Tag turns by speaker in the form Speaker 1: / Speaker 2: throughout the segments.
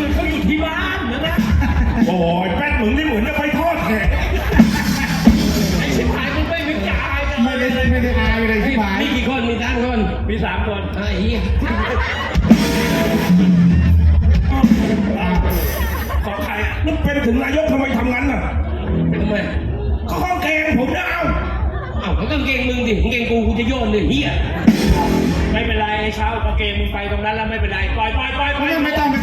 Speaker 1: อื่นเขาอยู่ที่บ้านนะ
Speaker 2: โอ้ยแป๊ดมึงนี่เหมือนจะไปทอดแขก
Speaker 1: ไอ้ชิบหายมึงไม่มีจ่าย
Speaker 3: ไม่ได้อายเลยที่หมาย
Speaker 4: มีกี่คนมีตั้งคน
Speaker 1: มี3 คน
Speaker 4: ไอ้เหี้ย
Speaker 2: ของใครอ่ะนั่นเป็นถึงนายกทำไมทำงั้นน่ะ
Speaker 4: ทำไม
Speaker 2: ก็ข้องแกงผมนะเอา
Speaker 4: อ้าวกางเกงมึงดิกางเกงกูจะโยนเลยเหี้ย
Speaker 1: ไม่เป็นไรไอ้เช้ากางเกงมึงไปตรงนั้นแล้วไม่เป็นไรปล่อย
Speaker 3: ไม่ต้อง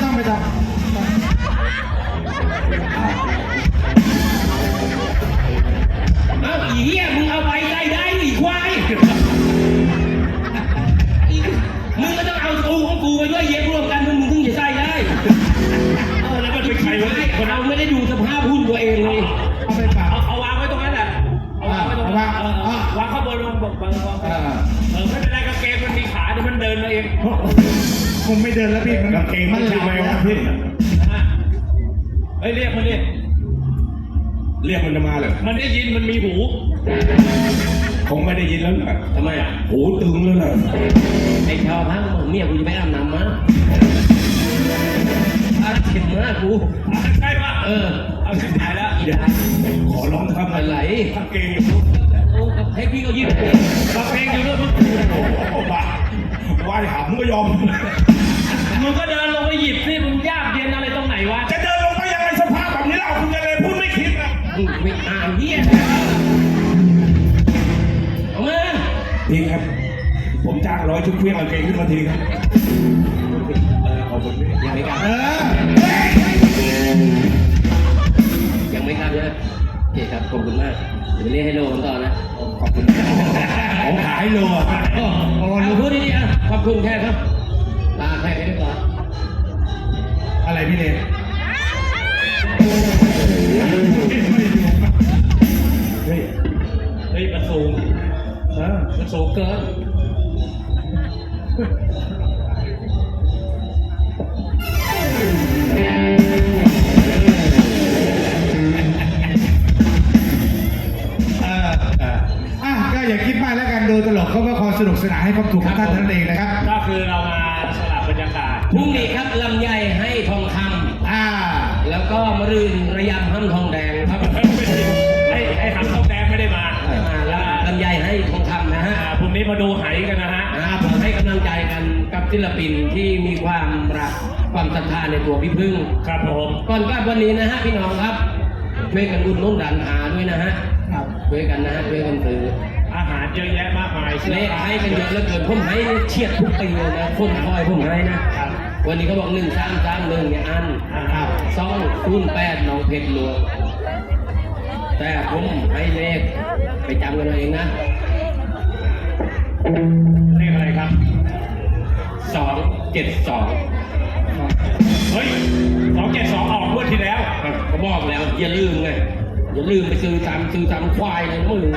Speaker 4: เอ้าอีเหี้ยมึงเอาไปได้อีควายมึงก็ต้องเอากูของกูไปด้วยเย็บรวมกันมึงถึงจะใส่ได้
Speaker 1: แล้วมันเป็นใครวะ
Speaker 4: คนเราไม่ได้ดูสภาพหุ้นตัวเองเลย
Speaker 3: เอาไปฝาก
Speaker 1: เอาวางไว้ตรงนั้นแหละเอาวางไว้ตรงนั้นวางข้างบนลงบอกไม่เป็นไรกางเกงมันมีขาเดี๋ยวมันเดินมาเอง
Speaker 3: คงไม่เดินแล้วพี่
Speaker 2: กางเกงมัน
Speaker 3: ห
Speaker 2: ใช่
Speaker 3: ลับ
Speaker 2: ไหม
Speaker 3: แล้ว
Speaker 2: วะพี่
Speaker 1: เฮ้ยเรียกมันดิ
Speaker 2: เรียกมันจะมาเลย
Speaker 1: มันได้ยินมันมีหู
Speaker 2: คงไม่ได้ยินแล้วนะ
Speaker 4: ทำไมอ่ะ
Speaker 2: หูตึงแล้วนะ
Speaker 4: ไอ้ชาวพังเมียกูจะไปอาบน้ำมาอาเข็มมากกู
Speaker 1: ใช่ปะเอาชิบหายแล้ว
Speaker 4: อีดา
Speaker 2: ขอร้องครับ
Speaker 4: อะไร
Speaker 2: กางเกงอยู่
Speaker 4: โอ้ให้พี่เขายิ้ม
Speaker 1: กางเกงอยู่ด้วย
Speaker 2: โอ้บ้าว่ายหำก็ยอม
Speaker 1: มึงก็เดินลงไปหยิบสิมึงยากเย็นอะไรตรงไหนวะ
Speaker 2: จะเดินลงไปยังไงสภาพแบบนี้เราคุณจะเลยพูดไม่คิดนะ
Speaker 4: ไม่อ่านเหี้ยเอามา
Speaker 2: พี่ครับ ผมจ้าง100ชุดเครื่องกางเกงขึ้นมาทีครับขอบคุณพี่
Speaker 4: ยังไม่กลับ ยังไม่กลับใช่ไหมโอเคครับขอบคุณมากเดี๋ยวเรียกให้โลกันต่อนะขอบคุณ
Speaker 2: ผมขายโลอ่ะ
Speaker 4: โอ้หนูพูดดีๆอ่ะขอบคุณแค่ครับลาแค่นี้ก่อน
Speaker 3: อะไรพี่เล็ก
Speaker 2: เฮ้ย
Speaker 1: เฮ้ยมันสูงมันสูงเกิน
Speaker 3: ก็อย่าคิดมากแล้วกันดูตลกเขาก็คอยสนุกสนานให้ความถูกของท่านนั่นเองนะครับ
Speaker 1: ก็คือเรามาสลับบรรยากาศ
Speaker 4: พรุ่งนี้ครับลำไยให้ทองคำแล้วก็มะรืนระยำห้ำทองแดงครับ
Speaker 1: ไอ้หำทองแดงไม่ได้มา
Speaker 4: แล้วลำไยให้ทองคำนะฮะ
Speaker 1: พรุ่งนี้มาดูไหกันนะฮะ
Speaker 4: ผมให้กำลังใจกันกับศิลปินที่มีความรักความศรัทธาในตัวพี่พึ่ง
Speaker 1: ครับผม
Speaker 4: ก่อนกลับวันนี้นะฮะพี่น้องครับช่วยกันอุดหนุนร้านอาด้วยนะฮะช่วยกันนะฮะช่วยกันซื้อ
Speaker 1: อาหารเยอะแยะมากมาย
Speaker 4: เลขให้กันเยอะเหลือเกินผมให้เฉียดทุกปีเลยนะคนคอยผมให้นะ
Speaker 1: ครับ
Speaker 4: วันนี้เขาบอก1331เนี่ยอัน208น้องเพชรหลวงแต่ผมให้เลขไปจำกันเอาเองนะ
Speaker 1: เลขอะไรครับ
Speaker 4: 272
Speaker 1: เฮ้ย272ออกงวดที่แล้ว
Speaker 4: ก็บอกแล้วอย่าลืมไงอย่าลืมไปซื้อตามควายเลยนะมึง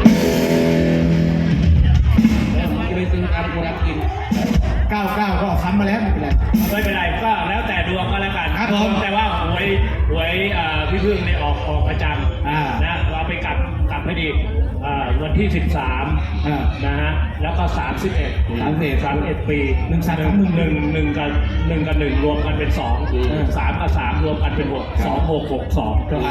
Speaker 4: แล้วมึงจะไปซื้อตามกูรับกิน
Speaker 3: 99ก็ซ้ำมาแล้วไม่เป็นไร
Speaker 1: ไม่เป็นไรก็แล้วแต่ดวงก็แล้วกัน
Speaker 3: ครับผม
Speaker 1: แต่ว่าหวยพี่พึ่งเนี่ยออกประจำนะเราไปกลับให้ดีวันที่ 13นะฮะแล้วก็31ปี1กับ1รวมกันเป็น2 3กับ3รวมกันเป็น6 2662ก็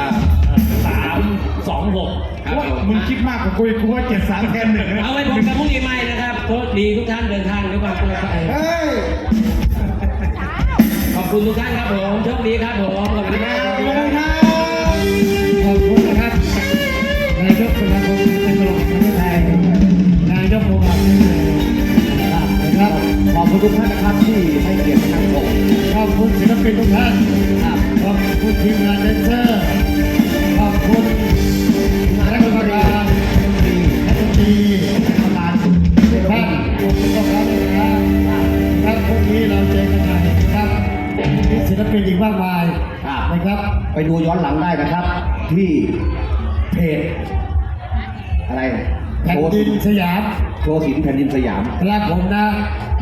Speaker 1: 326
Speaker 3: ว่ามึงคิดมากกว่ากูอีกกูว่า73แทน1นะ
Speaker 4: เอาไว้ผมกับพรุ่งนี้ใหม่นะครับโชคดีทุกท่านเดินทางด้วยความปลอดภัย
Speaker 3: เฮ้ย
Speaker 4: ขอบคุณทุกท่านครับผมโชคดีครับผมขอบคุณมาก
Speaker 3: ขอบคุณครับขอบคุณนะครับนายกสมาคมการตลกแห่งประเทศไทยนายกโรงพยาบาลนะครับขอบคุณทุกท่านนะครับที่ให้เกียรติทางผมขอบคุณศิลปินทุกท่านขอบคุณทีมงานแดนเซอร์ขอบคุณนักดนตรีนักดนตรีประธานทุกท่านขอบคุณพวกเราด้วยนะครับพรุ่งนี้เราเจอกันใหม่นะครับมีศิลปินอีกมากมายนะครับ
Speaker 5: ไปดูย้อนหลังได้นะครับ ที่เพจอะไร
Speaker 3: แผ่นดินสยาม
Speaker 5: โชว์ศิลป์แผ่นดินสยาม
Speaker 3: ครับผมนะ